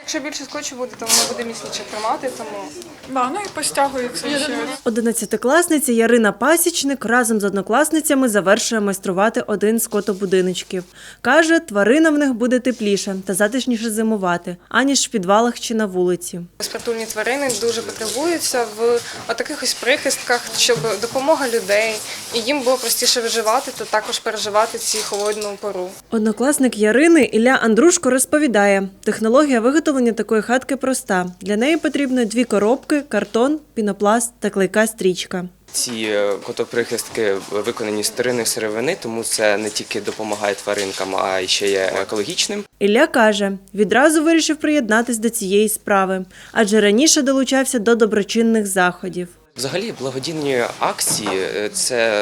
Якщо більше скотчу буде, то воно буде міцніше тримати, тому… Да, ну і постягується ще. 11-класниця Ярина Пасічник разом з однокласницями завершує майструвати один з котобудиночків. Каже, тваринам в них буде тепліше та затишніше зимувати, аніж в підвалах чи на вулиці. Безпритульні тварини дуже потребуються в таких ось прихистках, щоб допомога людей, і їм було простіше виживати та також переживати ці холодну пору. Однокласник Ярини Ілля Андрушко розповідає, технологія виготовлення такої хатки проста. Для неї потрібно 2 коробки, картон, пінопласт та клейка стрічка. Ці котоприхистки виконані з старинної сировини, тому це не тільки допомагає тваринкам, а й ще є екологічним. Ілля каже, відразу вирішив приєднатись до цієї справи, адже раніше долучався до доброчинних заходів. Взагалі, благодійні акції – це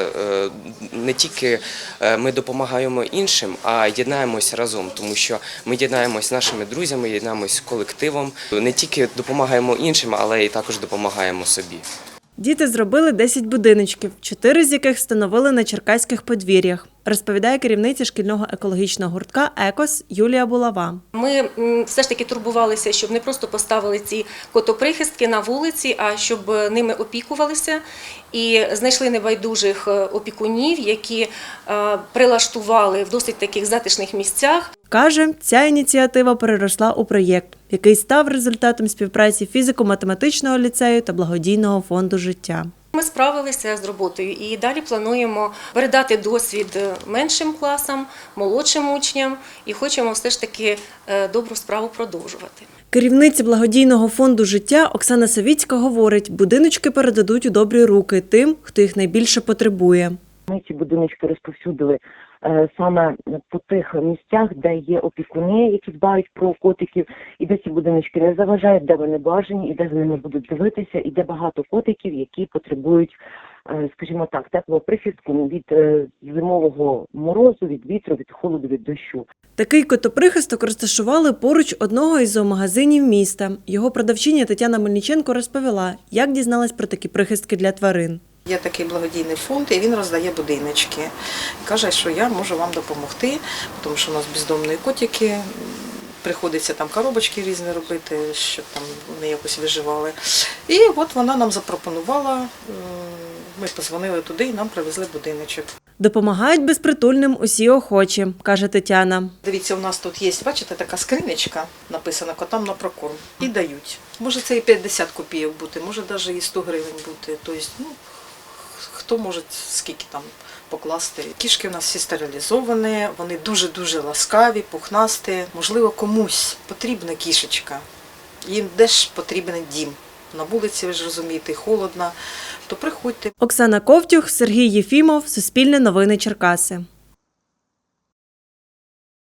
не тільки ми допомагаємо іншим, а єднаємось разом, тому що ми єднаємось з нашими друзями, єднаємось з колективом. Не тільки допомагаємо іншим, але й також допомагаємо собі. Діти зробили 10 будиночків, 4 з яких встановили на черкаських подвір'ях, розповідає керівниця шкільного екологічного гуртка «Екос» Юлія Булава. Ми все ж таки турбувалися, щоб не просто поставили ці котоприхистки на вулиці, а щоб ними опікувалися. І знайшли небайдужих опікунів, які прилаштували в досить таких затишних місцях. Каже, ця ініціатива переросла у проєкт, який став результатом співпраці фізико-математичного ліцею та благодійного фонду «Життя». Ми справилися з роботою і далі плануємо передати досвід меншим класам, молодшим учням і хочемо все ж таки добру справу продовжувати. Керівниця благодійного фонду «Життя» Оксана Савіцька говорить, будиночки передадуть у добрі руки тим, хто їх найбільше потребує. Ми ці будиночки розповсюдили саме по тих місцях, де є опікуни, які дбають про котиків, і де ці будиночки не заважають, де вони бажані, і де за ними будуть дивитися, і де багато котиків, які потребують, скажімо так, теплого прихистку від зимового морозу, від вітру, від холоду, від дощу. Такий котоприхисток розташували поруч одного із зоомагазинів міста. Його продавчиня Тетяна Мельниченко розповіла, як дізналась про такі прихистки для тварин. Є такий благодійний фонд, і він роздає будиночки. Каже, що я можу вам допомогти, тому що у нас бездомні котики, приходиться там коробочки різні робити, щоб там вони якось виживали. І от вона нам запропонувала, ми подзвонили туди і нам привезли будиночок. Допомагають безпритульним усі охочі, каже Тетяна. Дивіться, у нас тут є, бачите, така скринечка, написана «Котам на прокорм». І дають. Може це і 50 копійок бути, може навіть і 100 гривень бути. Тобто, хто може скільки там покласти. Кішки у нас всі стерилізовані, вони дуже-дуже ласкаві, пухнасті. Можливо, комусь потрібна кішечка, їм теж потрібен дім. На вулиці, ви ж розумієте, холодно, то приходьте. Оксана Ковтюх, Сергій Єфімов, Суспільне новини Черкаси.